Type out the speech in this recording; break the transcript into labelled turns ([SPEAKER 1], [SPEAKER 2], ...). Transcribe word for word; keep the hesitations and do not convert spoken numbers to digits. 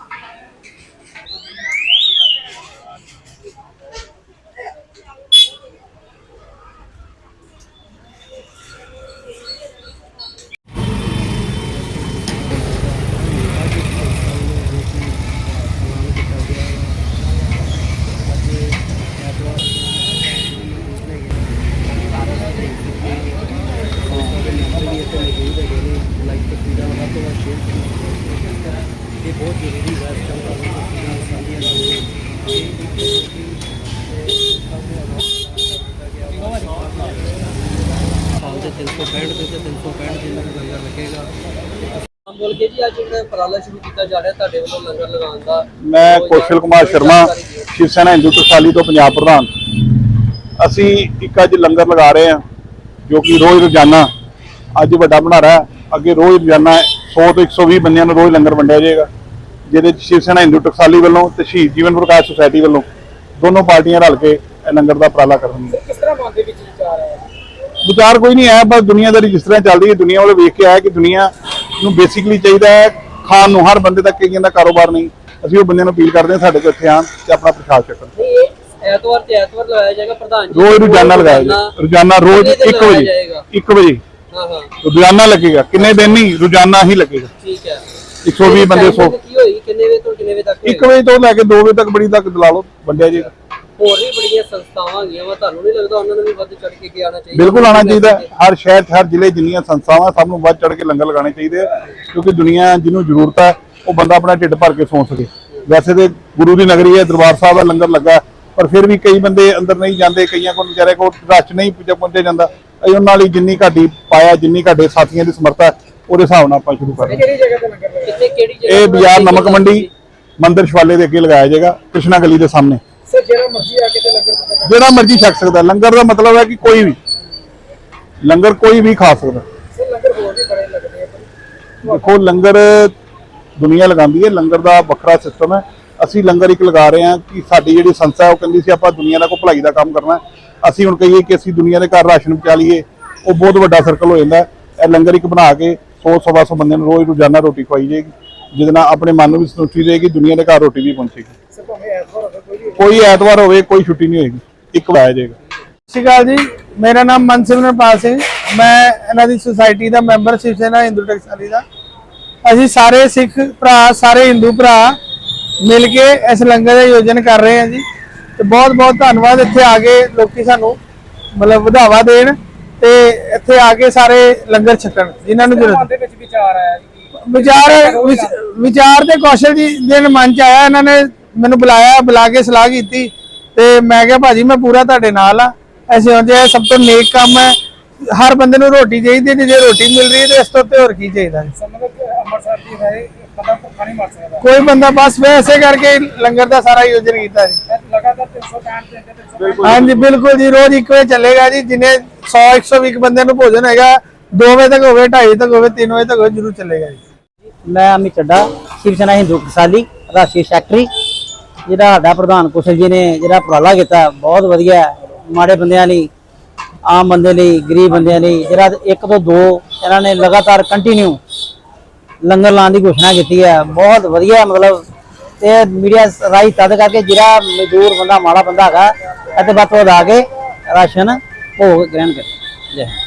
[SPEAKER 1] बहुत जरूरी है तीन सौ पैंठ से तीन सौ पैंठ दिन लंगर लगेगा। बोल के जी आज उपराला शुरू किया जा रहा है ਤੁਹਾਡੇ ਵੱਲੋਂ ਲੰਗਰ ਲਗਾਉਣ ਦਾ।
[SPEAKER 2] मैं कौशल कुमार शर्मा शिव सेना हिंदू टकसाली तो पंजाब प्रधान। ਅਸੀਂ ਇੱਕ ਅੱਜ ਲੰਗਰ ਲਗਾ ਰਹੇ ਹਾਂ ਜੋ ਕਿ ਰੋਜ਼ ਰੋਜ਼ਾਨਾ ਅੱਜ ਵੱਡਾ ਬਣਾ ਰਿਹਾ। ਅੱਗੇ ਰੋਜ਼ ਰੋਜ਼ਾਨਾ सौ ਤੋਂ एक सौ बीस ਬੰਦਿਆਂ ਨੂੰ ਰੋਜ਼ ਲੰਗਰ ਵੰਡਿਆ ਜਾਏਗਾ, ਜਿਹਦੇ ਚ शिव सेना हिंदू टकसाली ਵੱਲੋਂ ਤੇ ਸ਼ਹੀਦ ਜੀਵਨ ਪ੍ਰਕਾਸ਼ ਸੁਸਾਇਟੀ ਵੱਲੋਂ ਦੋਨੋਂ ਪਾਰਟੀਆਂ ਰਲ ਕੇ ਇਹ ਲੰਗਰ ਦਾ ਉਪਰਾਲਾ ਕਰਨਗੀਆਂ।
[SPEAKER 1] ਕਿਸ ਤਰ੍ਹਾਂ ਮਨ ਦੇ ਵਿੱਚ ਵਿਚਾਰ ਆਇਆ?
[SPEAKER 2] ਵਿਚਾਰ ਕੋਈ ਨਹੀਂ ਹੈ, ਬਸ ਦੁਨੀਆਦਾਰੀ ਜਿਸ ਤਰ੍ਹਾਂ ਚੱਲਦੀ ਹੈ ਦੁਨੀਆ ਵਾਲੇ ਵੇਖ ਕੇ ਆਇਆ ਕਿ ਦੁਨੀਆ ਨੂੰ ਬੇਸਿਕਲੀ ਚਾਹੀਦਾ ਹੈ ਖਾਣ ਨੂੰ, ਹਰ ਬੰਦੇ ਤੱਕ ਕਈਆਂ ਦਾ ਕਾਰੋਬਾਰ ਨਹੀਂ। ਅਸੀਂ ਉਹ ਬੰਦਿਆਂ ਨੂੰ ਅਪੀਲ ਕਰਦੇ ਹਾਂ ਸਾਡੇ ਕੋਲ ਇੱਥੇ ਆਉਣ ਤੇ ਆਪਣਾ ਪ੍ਰਸ਼ਾਦ ਛਕਣ।
[SPEAKER 1] ਐਤਵਾਰ ਤੇ ਐਤਵਾਰ ਲਗਾਇਆ ਜਾਏਗਾ ਪ੍ਰਧਾਨ ਜੀ,
[SPEAKER 2] ਰੋਜ਼ ਰੋਜ਼ਾਨਾ ਲਗਾਇਆ ਜਾਏਗਾ, ਰੋਜ਼ਾਨਾ ਰੋਜ਼ ਇੱਕ ਵਜੇ ਇੱਕ ਵਜੇ
[SPEAKER 1] ਹਾਂ ਹਾਂ
[SPEAKER 2] ਰੋਜ਼ਾਨਾ ਲੱਗੇਗਾ। ਕਿੰਨੇ ਦਿਨ ਨਹੀਂ, ਰੋਜ਼ਾਨਾ ਹੀ ਲੱਗੇਗਾ।
[SPEAKER 1] ਠੀਕ ਹੈ।
[SPEAKER 2] एक सौ बीस ਬੰਦੇ ਸੌ
[SPEAKER 1] ਕੀ ਹੋਈ ਕਿੰਨੇ ਵਜੇ ਤੋਂ ਕਿੰਨੇ ਵਜੇ ਤੱਕ?
[SPEAKER 2] ਇੱਕ ਵਜੇ ਤੋਂ ਲੈ ਕੇ ਦੋ ਵਜੇ ਤੱਕ ਬੜੀ ਤੱਕ ਲਾ ਲਓ ਵੰਡਿਆ ਜੀ।
[SPEAKER 1] ਹੋਰ ਵੀ ਬੜੀਆਂ ਸੰਸਥਾਵਾਂ ਹੈਗੀਆਂ ਵਾ, ਤੁਹਾਨੂੰ ਨਹੀਂ ਲੱਗਦਾ ਉਹਨਾਂ ਨੂੰ ਵੀ ਵੱਧ ਚੜ ਕੇ ਕੀ ਆਉਣਾ ਚਾਹੀਦਾ?
[SPEAKER 2] ਬਿਲਕੁਲ ਆਉਣਾ ਚਾਹੀਦਾ। ਹਰ ਸ਼ਹਿਰ ਹਰ ਜ਼ਿਲ੍ਹੇ ਜਿੰਨੀਆਂ ਸੰਸਥਾਵਾਂ ਸਭ ਨੂੰ ਵੱਧ ਚੜ ਕੇ ਲੰਗਰ ਲਗਾਉਣੇ ਚਾਹੀਦੇ ਆ, ਕਿਉਂਕਿ ਦੁਨੀਆ ਜਿਹਨੂੰ ਜ਼ਰੂਰਤ ਹੈ ਉਹ ਬੰਦਾ ਆਪਣਾ ਢਿੱਡ ਭਰ ਕੇ ਸੌਂ ਸਕੇ। ਵੈਸੇ ਤੇ ਗੁਰੂ ਦੀ ਨਗਰੀ ਹੈ, ਦਰਬਾਰ ਸਾਹਿਬ ਦਾ ਲੰਗਰ ਲੱਗਾ, ਪਰ ਫਿਰ ਵੀ ਕਈ ਬੰਦੇ ਅੰਦਰ ਨਹੀਂ ਜਾਂਦੇ, ਕਈਆਂ ਕੋਲ ਵਿਚਾਰੇ ਕੋਲ ਰਸ਼ ਨਹੀਂ ਪਹੁੰਚਿਆ ਜਾਂਦਾ। ਅਸੀਂ ਉਹਨਾਂ ਲਈ ਜਿੰਨੀ ਘਾਟੀ ਪਾਇਆ, ਜਿੰਨੀ ਘਾਟੇ ਸਾਥੀਆਂ ਦੀ ਸਮਰੱਥਾ ਉਹਦੇ ਹਿਸਾਬ ਨਾਲ ਆਪਾਂ ਸ਼ੁਰੂ ਕਰ ਰਹੇ ਹਾਂ।
[SPEAKER 1] ਕਿਹੜੀ ਜਗ੍ਹਾ ਤੇ ਲੰਗਰ ਲਗਾਇਆ? ਕਿਹੜੀ ਜਗ੍ਹਾ?
[SPEAKER 2] ਇਹ ਬਾਜ਼ਾਰ ਨਮਕ ਮੰਡੀ ਮੰਦਰ ਸ਼ਵਾਲੇ ਦੇ ਅੱਗੇ ਲਗਾਇਆ ਜਾਏਗਾ, ਕ੍ਰਿਸ਼ਨਾ ਗਲੀ ਦੇ ਸਾਹਮਣੇ।
[SPEAKER 1] ਸਰ ਜਿਹੜਾ ਮਰਜ਼ੀ ਆ ਕੇ ਤੇ ਲੰਗਰ
[SPEAKER 2] ਜਿਹੜਾ ਮਰਜ਼ੀ ਛਕ ਸਕਦਾ। ਲੰਗਰ ਦਾ ਮਤਲਬ ਹੈ ਕਿ ਕੋਈ ਵੀ ਲੰਗਰ ਕੋਈ ਵੀ ਖਾ ਸਕਦਾ।
[SPEAKER 1] ਸਰ ਲੰਗਰ ਹੋਰ ਵੀ ਬੜੇ ਲੱਗਦੇ ਆ।
[SPEAKER 2] ਦੇਖੋ ਲੰਗਰ ਦੁਨੀਆ ਲਗਾਉਂਦੀ ਹੈ, ਲੰਗਰ ਦਾ ਵੱਖਰਾ ਸਿਸਟਮ ਹੈ। ਅਸੀਂ ਲੰਗਰ ਇੱਕ ਲਗਾ ਰਹੇ ਹਾਂ ਕਿ ਸਾਡੀ ਜਿਹੜੀ ਸੰਸਥਾ ਉਹ ਕਹਿੰਦੀ ਸੀ ਆਪਾਂ ਦੁਨੀਆ ਦਾ ਕੋਈ ਭਲਾਈ ਦਾ ਕੰਮ ਕਰਨਾ। ਅਸੀਂ ਹੁਣ ਕਹੀਏ ਕਿ ਅਸੀਂ ਦੁਨੀਆ ਦੇ ਘਰ ਰਾਸ਼ਨ ਪਹੁੰਚਾ ਲਈਏ, ਉਹ ਬਹੁਤ ਵੱਡਾ ਸਰਕਲ ਹੋ ਜਾਂਦਾ। ਇਹ ਲੰਗਰ ਇੱਕ ਬਣਾ ਕੇ ਸੌ ਸਵਾ ਸੌ ਬੰਦੇ ਨੂੰ ਰੋਜ਼ ਰੋਜ਼ਾਨਾ ਰੋਟੀ ਖਵਾਈ ਜਾਏਗੀ, ਜਿਹਦੇ ਨਾਲ ਆਪਣੇ ਮਨ ਨੂੰ ਵੀ ਸੰਤੁਸ਼ਟੀ ਰਹੇਗੀ, ਦੁਨੀਆ ਦੇ ਘਰ ਰੋਟੀ ਵੀ ਪਹੁੰਚੇਗੀ। ਕੋਈ ਐਤਵਾਰ ਹੋਵੇ ਕੋਈ ਛੁੱਟੀ ਨਹੀਂ ਹੋਏਗੀ, ਇੱਕ ਲਾਇਆ ਜਾਏਗਾ।
[SPEAKER 3] ਸਤਿ ਸ਼੍ਰੀ ਅਕਾਲ ਜੀ, ਮੇਰਾ ਨਾਮ ਮਨਸਿਮਰਨਪਾਲ ਸਿੰਘ, ਮੈਂ ਇਹਨਾਂ ਦੀ ਸੁਸਾਇਟੀ ਦਾ ਮੈਂਬਰ ਸ਼ਿਵ ਸੈਨਾ ਹਿੰਦੂ ਟਕਸਾਲੀ ਦਾ। ਅਸੀਂ ਸਾਰੇ ਸਿੱਖ ਭਰਾ, ਸਾਰੇ ਹਿੰਦੂ ਭਰਾ ਮਿਲ ਕੇ ਇਸ ਲੰਗਰ ਦਾ ਆਯੋਜਨ ਕਰ ਰਹੇ ਹਾਂ ਜੀ, ਤੇ ਬਹੁਤ ਬਹੁਤ ਧੰਨਵਾਦ। ਇੱਥੇ ਆ ਕੇ ਲੋਕੀ ਸਾਨੂੰ ਮਤਲਬ ਵਧਾਵਾ ਦੇਣ ਤੇ ਇੱਥੇ ਆ ਕੇ ਸਾਰੇ ਲੰਗਰ ਛਕਣ ਜਿਨ੍ਹਾਂ ਨੂੰ ਜ਼ਰੂਰਤ।
[SPEAKER 1] ਦੇ ਵਿੱਚ ਵਿਚਾਰ ਆਇਆ ਜੀ?
[SPEAKER 3] ਵਿਚਾਰ ਵਿਚਾਰ ਤੇ ਕੌਸ਼ਲ ਜੀ ਦੇ ਮਨ ਚ ਆਇਆ, ਇਹਨਾਂ ਨੇ ਮੈਨੂੰ ਬੁਲਾਇਆ, ਬੁਲਾ ਕੇ ਸਲਾਹ ਕੀਤੀ ਤੇ ਮੈਂ ਕਿਹਾ ਭਾਜੀ ਮੈਂ ਪੂਰਾ ਤੁਹਾਡੇ ਨਾਲ ਆ। ਐਸੇ ਹੁੰਦੇ ਸਭ ਤੋਂ ਨੇਕ ਕੰਮ ਹੈ, ਹਰ ਬੰਦੇ ਨੂੰ ਰੋਟੀ ਚਾਹੀਦੀ ਹੈ, ਜੇ ਰੋਟੀ ਮਿਲ ਰਹੀ ਹੈ ਤੇ ਇਸ ਤੋਂ ਉੱਤੇ ਹੋਰ ਕੀ ਚਾਹੀਦਾ।
[SPEAKER 1] ਅੰਮ੍ਰਿਤਸਰ ਦੀ ਹੈ ਬੰਦਾ ਭੁੱਖਾ ਨਹੀਂ ਮਰ ਸਕਦਾ
[SPEAKER 3] ਕੋਈ ਬੰਦਾ, ਬਸ ਵੈਸੇ ਕਰਕੇ ਲੰਗਰ ਦਾ ਸਾਰਾ ਆਯੋਜਨ ਕੀਤਾ ਜੀ।
[SPEAKER 1] ਲਗਾਤਾਰ ਤਿੰਨ ਸੌ ਪੈਂਹਠ ਦਿਨ
[SPEAKER 3] ਹਾਂਜੀ ਬਿਲਕੁਲ ਜੀ, ਰੋਜ਼ ਇੱਕ ਵਜੇ ਚੱਲੇਗਾ ਜੀ। ਜਿੰਨੇ ਸੌ ਇੱਕ ਸੌ ਵੀਹ ਬੰਦਿਆਂ ਨੂੰ ਭੋਜਨ ਹੈਗਾ, ਦੋ ਵਜੇ ਤੱਕ ਹੋਵੇ, ਢਾਈ ਤੱਕ ਹੋਵੇ, ਤਿੰਨ ਵਜੇ ਤੱਕ ਹੋਵੇ, ਜ਼ਰੂਰ ਚੱਲੇਗਾ ਜੀ।
[SPEAKER 4] मैं अमित चड्डा शिव सेना हिंदू टकसाली राष्ट्रीय सैकटरी। ਜਿਹੜਾ ਸਾਡਾ ਪ੍ਰਧਾਨ ਕੁਸ਼ਲ ਜੀ ਨੇ ਜਿਹੜਾ ਉਪਰਾਲਾ ਕੀਤਾ ਬਹੁਤ ਵਧੀਆ, ਮਾੜੇ ਬੰਦਿਆਂ ਲਈ, ਆਮ ਬੰਦੇ ਲਈ, ਗਰੀਬ ਬੰਦਿਆਂ ਲਈ, ਜਿਹੜਾ ਇੱਕ ਤੋਂ ਦੋ ਇਹਨਾਂ ਨੇ ਲਗਾਤਾਰ ਕੰਟੀਨਿਊ ਲੰਗਰ ਲਾਉਣ ਦੀ ਘੋਸ਼ਣਾ ਕੀਤੀ ਹੈ। ਬਹੁਤ ਵਧੀਆ, ਮਤਲਬ ਤੇ ਮੀਡੀਆ ਰਾਹੀਂ ਤਦ ਕਰਕੇ ਜਿਹੜਾ ਮਜ਼ਦੂਰ ਬੰਦਾ, ਮਾੜਾ ਬੰਦਾ ਹੈਗਾ ਇੱਥੇ ਵੱਧ ਤੋਂ ਵੱਧ ਆ ਕੇ ਰਾਸ਼ਨ ਭੋਗ ਗ੍ਰਹਿਣ ਕਰੇ। ਜੈ